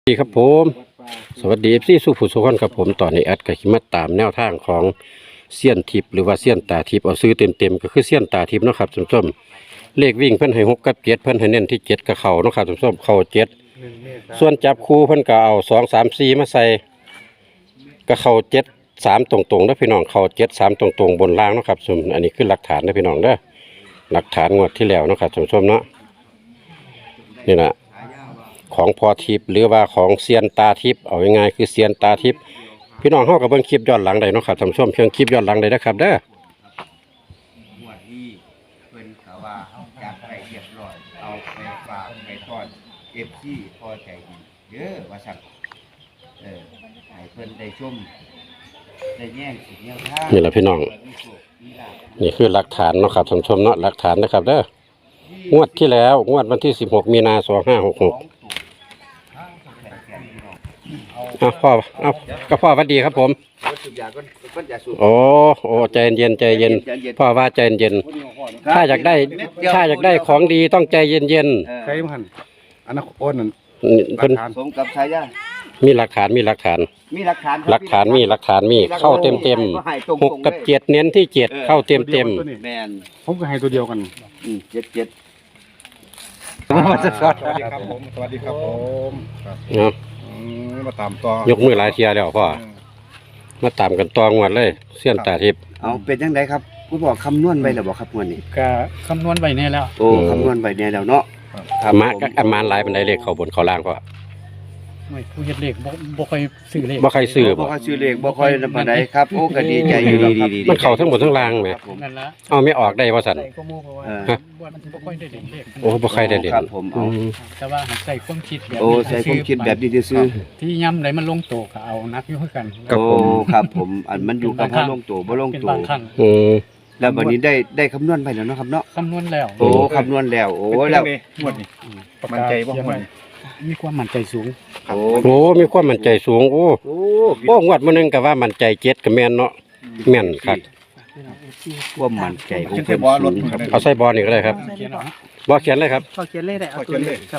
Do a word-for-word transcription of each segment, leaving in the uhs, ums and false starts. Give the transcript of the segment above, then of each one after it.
สวัสดีครับผมสวัสดีเอฟซีสุภูสุขนครับผมตอนนี้แอดก็ขิมาตามแนวทางของเสี้ยนทิพย์หรือว่าเสี้ยนตาทิพย์เอาซื้อเต็มๆก็คือเสี้ยนตาทิพย์เนาะครับส้มๆเลขวิ่งเพิ่นให้หกกับเจ็ดเพิ่นให้เน้นที่เจ็ดกับเข่าเนาะครับส้มๆเข่าเจ็ดส่วนจับคู่เพิ่นก็เอาสองสามสี่มาใส่กับเข่าเจ็ดสามตรงๆนะพี่น้องเข่าเจ็ดสามตรงๆบนล่างเนาะครับส้มอันนี้คือหลักฐานนะพี่น้องเด้อหลักฐานงวดที่แล้วเนาะครับส้มๆเนาะนี่นะของพอทิพย์หรือว่าของเซียนตาทิพย์เอาง่ายๆคือเซียนตาทิพย์พี่น้องเฮากับเบิ่งคลิปย้อนหลังได้เนาะครับท่านผู้ชมเพียงคลิปย้อนหลังได้นะครับเด้องวดนี้เพิ่นเขาว่าจัดไปเรียบร้อยเอาไปฝากไปทอด เอฟ ซี พอใจดีเด้อว่าซั่นเออให้เพิ่นได้ชมได้แย่งสิ่งแนวทางนี่แหละพี่น้องนี่คือหลักฐานเนาะครับท่านผู้ชมเนาะหลักฐานนะครับเด้องวดที่แล้วงวดวันที่สิบหกมีนาสองห้าหกหกอ่ะพ่อเอาก็พ่อสวัสดีครับผมโอ้โอ้ใจเย็นใจเย็นพ่อว่าใจเย็นถ้าอยากได้ถ้าอยากได้ของดีต้องใจเย็นเย็นใครมันอันนั้นโอนนั่นเพิ่นสมกับชายามีหลักฐานมีหลักฐานมีหลักฐานหลักฐานมีหลักฐานมีเข้าเต็มเต็มหกกับเจ็ดเน้นที่เจ็ดเข้าเต็มเต็มแม่นผมก็ให้ตัวเดียวกันอืมเจ็ดเจ็ดสวัสดีครับผมสวัสดีครับผมครับเนาะอืมมาตามต่อยกมือหลายเทียแล้วพ่อมาตามกันตองวดเลยเสี้ยนตาทิพย์เอาเป็นจังไดครับผู้บอกคำนวณไว้แล้วบ่ครับงวดนี้ก็คำนวณไว้แน่แล้วโอ้คำนวณไว้แน่แล้วเนาะอามาก็อามาหลายเป็นไดเลขเขาบนเขาล่างพ่อไม่ผู้เฮ็ดเลขบ่บ่ค่อยซื้อเลขบ่ใครซื้อบ่บ่ค่อยซื้อเลขบ่ค่อยนำปานใดครับโอ้ก็ดีใจอยู่ดีๆมันเข้าทั้งหมดทั้งล่างแหมนั่นละเอาไม่ออกได้ว่าซั่นใส่ก็มูเพราะว่าเออบ่มันบ่ค่อยได้เล่นเลขโอ้บ่ใครได้เด่นครับผมอืเอามแต่ว่าหักใส่ความคิดแบบโอ้ใส่ความคิดแบบนี้ซื่อที่ย้ำไหนมันลงโตก็เอานักอยู่คือกันๆโอ้ครับผมอันมันอยู่กับเฮาลงตัวบ่ลงเป็นตัวบางครั้งอืมแล้ววันนี้ได้ได้คำนวณไปแล้วเนาะครับเนาะคำนวณแล้วโอ้คำนวณแล้วโอ้แล้วงวดนี้มั่นใจบ่งวดนี้มีความมั่นใจสูงโอ้โอ้มีความมั่นใจสูงโอ้โอ้โอ้งวดมื้อนึงก็ว่ามั่นใจเจ็ดก็แม่นเนาะแม่นครับความมั่นใจของเขียนเพิ่ใส่นบอลรสูถงครับเอาใส่บอลนี่ก็ได้ครับเขียนเอาฮะบ่เขียนเลยครับพอเขียนเลขได้เอาตัวเลขครับ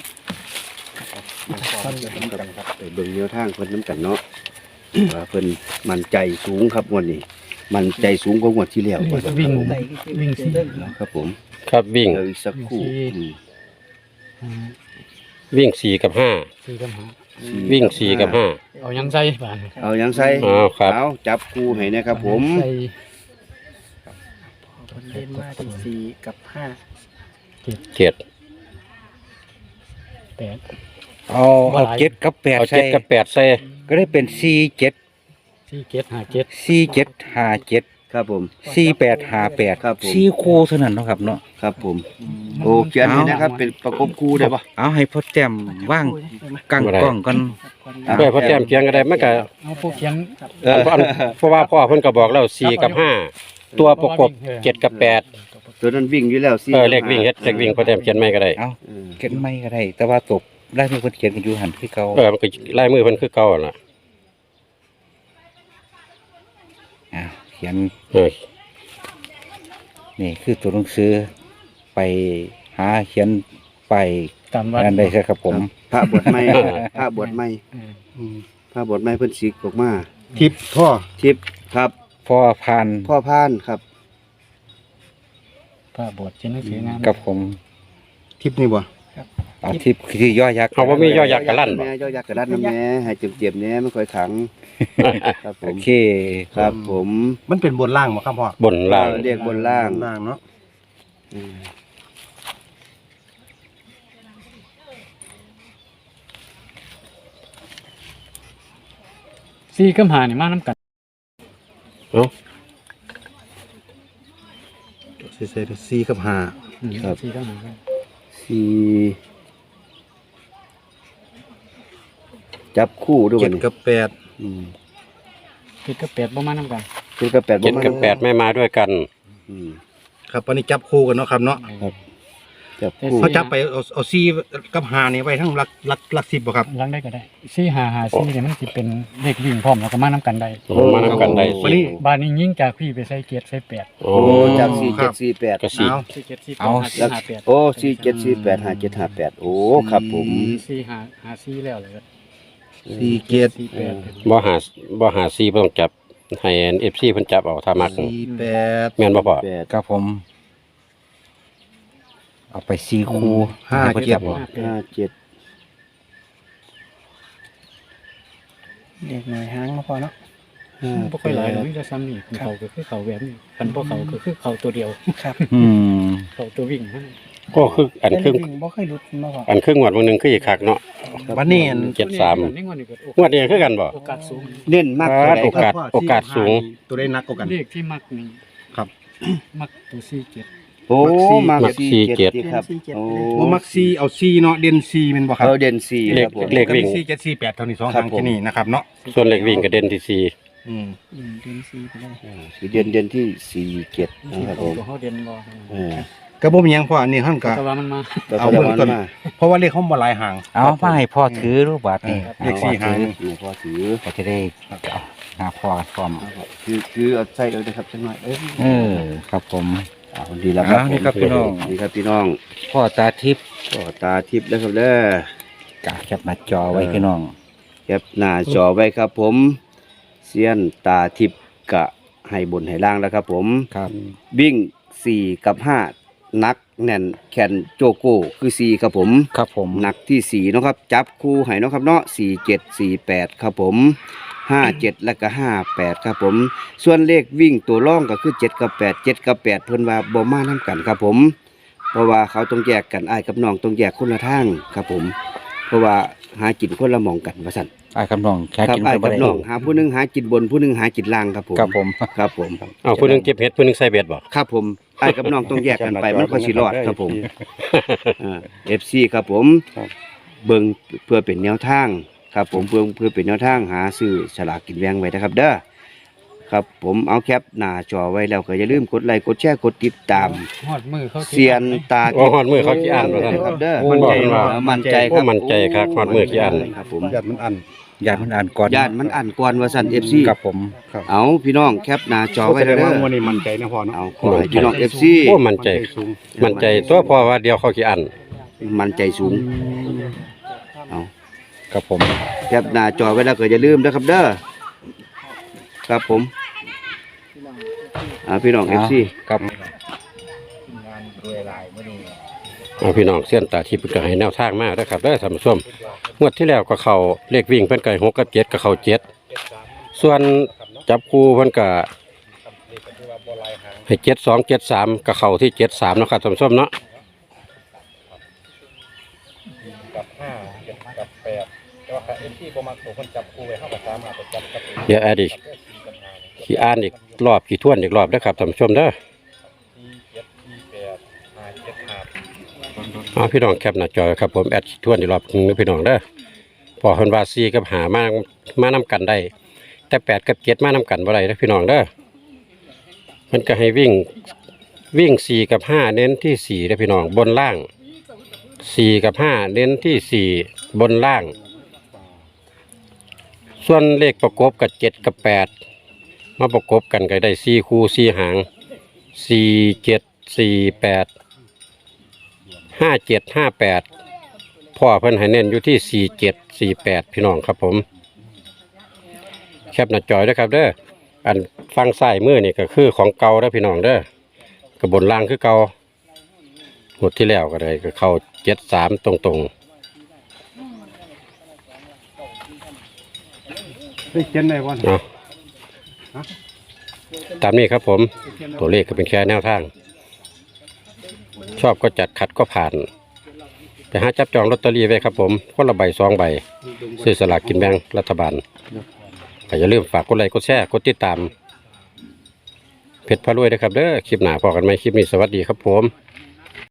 ไปเบิ่งแนวทางเพิ่นนํกันเนาะว่าเพิ่นมั่นใจสูงครับงวดนี้มั่นใจสูงกว่างวดที่แล้วเลขวิ่งวิ่งสิครับผมครับวิ่งเดี๋ยวอีกสักครู่อืมอ่าวิ่งสี่กับห้าสี่กับหาวิ่งสี่กับห้าเอายังใส่บาดเอายังใส่อ้าวครับเอาจับคู่ให้นะครับผมใส่เล่นมาที่สี่กับห้าเจ็ดแปดเอาเอาเจ็ดกับแปดเอาใส่เจ็ดกับแปดใส่ก็ได้เป็นสี่เจ็ดสี่เจ็ดห้าเจ็ดสี่เจ็ดห้าเจ็ดครับผมสี่แปดห้าแปดครับผมสี่คู่เท่านั้นเนาะครับเนาะครับผมโอ้เขียนให้นะครับ เป็นประกบคู่ได้ปะเอาให้พ่อแต้มว่างกังกล้องกันเพื่อพอแต้มเคียงก็ได้มันก็เอาผู้เขียนเออเพราะว่าพ่อเพิ่นก็บอกแล้วสี่กับห้าตัวประกบเจ็ดกับแปดตัวนั้นวิ่งอยู่แล้วสิเออเลขวิ่งเฮ็ดเลขวิ่งพอแต้มเขียนไม่ก็ได้เอาเออเขียนไม่ก็ได้ แต่ว่าตกได้มีคนเขียนกันอยู่หันที่เขาเออมันก็ลายมือเพิ่นคือเก่าล่ะอ่าเขียนเออนี่คือตัวหนังสือไปหาเขียนไปตามวัดนั่นได้ใช่ครับผมพระบวชใหม่พระบวชใหม่เอออืมพระบวชใหม่เพิ่นสิกออกมาทิปท่อทิพย์ครับพ่อพานพ่อพานครับพระบวชเขียนหนังสืองามกับผมทิปนี่บ่เอาที่ที่ย่อยักษ์เอาบ่มีย่อยักษ์กะลั่นบ่แม่ย่อยักษ์กระลั่นน้ำแม่ให้เจ็บๆแน่ไม่ค่อยขังครับผโอมเคครับผมมันเป็นบนล่างบ่ครับพ่อบนล่างเรียกบนล่างบนล่างเนาะอืมสี่กับหานี่มาน้ำกันเอ้าใส่ใส่สี่กับห้าครับสี่กับหาสี่จับคู่ด้วยเจ็บัดดนี้กับแปดอืมเจ็ดกับแปดบ่มาน้ำกันเจ็ดกับแปดเจ็ดกับแปดไม่มาด้วยกันอืมครับวันนี้จับคู่กันเนาะครับเนาะจับคู่เขาจับไปเอาเอาสี่กับห้านี่ไว้ทั้งหลักหลักหลักสิบบ่ครับลังได้ก็ได้สี่หาหาสี่เนี่ยมันสิเป็นเลขวิ่งพร้อมแล้วก็มาน้ำกันได้โอ้มานํกันได้วันนี้บ้านนี้ยิ่งจากพี่ไปใส่เจ็ดใส่แปดโอ้โอ้จับสี่เจ็ดสี่แปดก็สี่เอาสี่เจ็ดสี่แปเอาดห้าเจ็ดห้าแปดโอ้สี่เจ็ดสี่แปดห้าเจ็ดห้าแปดโอ้ครับผมสี่หาหาสี่แล้วเลยสี่เจ็ดสี่แปดบ่หาบ่หาซีบ่ต้องจับให้ เอฟ ซี เพิ่นจับเอาถ้ามักสี่แปดแม่นบ่พ่อครับผม เอาไปสี่คู่ห้าให้พิ่นเจ็ดจับเอาห้าเจ็ดเด็กหน่อยหางมาพอเนาะห้าบ่ค่อยหลายหรอกมีแต่ซ้ำนี่เขาก็คือเขาแบบนี้คันบ่เขาก็คือเขาตัวเดียวครับอืมเขาตัววิ่งนั่นก็คืออันครึ่งวิ่งบ่เคยหลุดมาพออันครึ่งงวดมื้อนึงคืออีกคักเนาะวันนี้อันเจ็ดสามนี่งวดนี้ก็งวดนี้คือกันบ่โอกาสสูงเน้นมากเท่าไหร่โอกาสครับโอกาสสูงตัวได้นักกว่ากันเลขที่มักนี่ครับมักตัวสี่เจ็ดโอ้มามักสี่เจ็ดสี่ครับโอ้โอ้มักซีเอาซีเนาะเด่นซีเป็นบ่ครับเขาเด่นสี่เลคขรับผมเลขวิ่งซีเจ็ดซีแปดเท่านี้สองครัทาบงผมที่นี่นะครับเนาะส่วนเลขวิ่งก็เด่นที่สี่อืมอืมเดือนสี่ไปเลยสีเด่นเด่นที่สี่เจ็ดนะครับผมตัวเขาเด่นบ่เออก็บ่มีหยังเพราะอันนี้ท่านก็แต่ว่ามันมาแต่เอาเอาเบื้เบื้ออง งต้ต้นนมาเพราะว่าเลขเขาบ่หลายห่างเอามาให้พ่อถือรูปบาทนี่เลขสี่หางนี่พอถือก็จะได้เอาหาพ่อพร้อมคือคือเอาใส่เลยนะครับจังหน่อยเอ้ยเออ ครับผมอ่าดีแล้วครับอ่านี่ครับพี่น้องนี่ครับพี่น้องพ่อตาทิพย์ก็ตาทิพย์นะครับเด้อกะแคปหน้าจอไว้พี่น้องแคปหน้าจอไว้ครับผมเซียนตาทิพย์กะให้บนให้ล่างแล้วครับผมครับวิ่งสี่กับห้านักแน่นแขนโจโก้คือสี่ครับผมครับผมหนักที่สี่เนาะครับจับคู่ให้เนาะครับเนาะสี่เจ็ดสี่แปดครับผมห้าเจ็ดและก็ห้าแปดครับผม ส่วนเลขวิ่งตัวร่องก็คือเจ็ดกับแปดเจ็ดกับแปดเพิ่นว่าบ่มานํกันครับผม เพราะว่าเขาต้องแยกกันอ้ายกับน้องต้องแยกคนละทางครับผม เพราะว่าหากินคนละหมองกันว่าซั่นไอ้ายกับน้องแค่ครับกินอ้ายก็บ่กับได้น้องหาผู้หนึงหากินบนผู้หนึงหากินล่างครับผมครับผมครับผมเอาผู้หนึงเก็บเห็ดผู้หนึงใส่เบ็ดบ่ครับผมไอ้ายกับน้องต้องแยกกันไปมันก็สิรอดครับผมอ่า เอฟ ซี ครับผมเบิ่งเพื่อเป็นแนวทางครับผมเพื่อเพื่อเป็นแนวทางหาซื้อฉลากกินแบ่งไว้นะครับ เด้อครับผมเอาแคปหน้าจอไว้แล้วก็อย่าลืมกดไลค์กดแชร์กดติดตามฮอดมือเขาเซียนตาโอ้ฮอดมือเขาขี้อ่านว่าซั่นครับเด้อมั่นใจว่าเออมั่นใจคโอ้รับมั่นใจครับฮอดมือขี้อ่านครับผมญาติมันอันญาติมันอ่านก่อนญาติมันอ่านก่อนว่าซั่น เอฟ ซีครับผมเอาพี่น้องแคปหน้าจอไว้แสดแล้วงเด้ว่าอวันนี้มั่นใจนะพ่อเนาะเอาขอให้พี่น้อง เอฟ ซีโอ้มั่นใจสูงมั่นใจตัวพอว่าเดียวเขาขี้อ่านมั่นใจสูงเอาครับผมแคปหน้าจอไว้แล้วก็อย่าลืมนะครับเด้อครับผมอ่าพี่น้อง เอฟ ซีครับเอาพี่น้องเส้นตาที่เพิ่นก็ให้แนวทางมาเด้อครับเด้อท่านผู้ชมงวดที่แล้วก็เข้าเลขวิ่งเพิ่นก็ให้หกกับเจ็ดก็เข้าเจ็ดส่วนจับคู่เพิ่นก็ให้เจ็ดสองเจ็ดสามก็เข้าที่เจ็ดสามเนาะครับท่านผู้ชมเนาะกับห้าเจ็ดกับแปดแต่ว่าเอ็นที่ประมาณตัวคนจับคู่ไว้เท่ากับสามารถไปจับกับเดี๋ยวแอดอีกขี้อ่านอีกรอบขี้ทวนอีกรอบเด้อครับท่านผู้ชมเด้อสี่เจ็ดสี่แปดห้าเจ็ดห้าเอาพี่น้องแคปหน้าจอครับผมแอดขี้ทวนอีกรอบหนึงเด้อพี่น้องเด้อพอเพิ่นว่าสี่กับหามามานํกันได้ แต่แปดกับเจ็ดมานํกันบ่ได้เด้อพี่น้องเด้อมันก็ให้วิ่งวิ่งสี่กับห้าเน้นที่สี่เด้อพี่น้องบนล่างสี่กับห้าเน้นที่สี่บนล่าง ส่วนเลขประกบกับเจ็ดกับแปดมาประกบกันก็ได้สี่คู่สี่หางสี่เจ็ดสี่แปดห้าเจ็ดห้าแปดพ่อเพิ่นให้เน้นอยู่ที่สี่เจ็ดสี่แปดพี่น้องครับผมแคปหน้าจอยด้วยครับเด้ออันฟังซ้ายมือนี่ก็คือของเก่าแล้วพี่น้องเด้อกระบนล่างคือเก่าหมดที่แล้วก็ได้ก็เข้าเจ็ดสามตรงตรงได้เขียนได้บ่ๆเนาะตามนี้ครับผมตัวเลขก็เป็นแค่แนวทาง ชอบก็จัดขัดก็ผ่านไปหาจับจองลอตเตอรี่ไว้ครับผมคนละใบสองใบซื้อสลากกินแบ่งรัฐบาลก็อย่าลืมฝากกดไลค์กดแชร์กดติดตามเพจพารวยนะครับเด้อคลิปหน้าพอกันไหมคลิปนี้สวัสดีครับผมค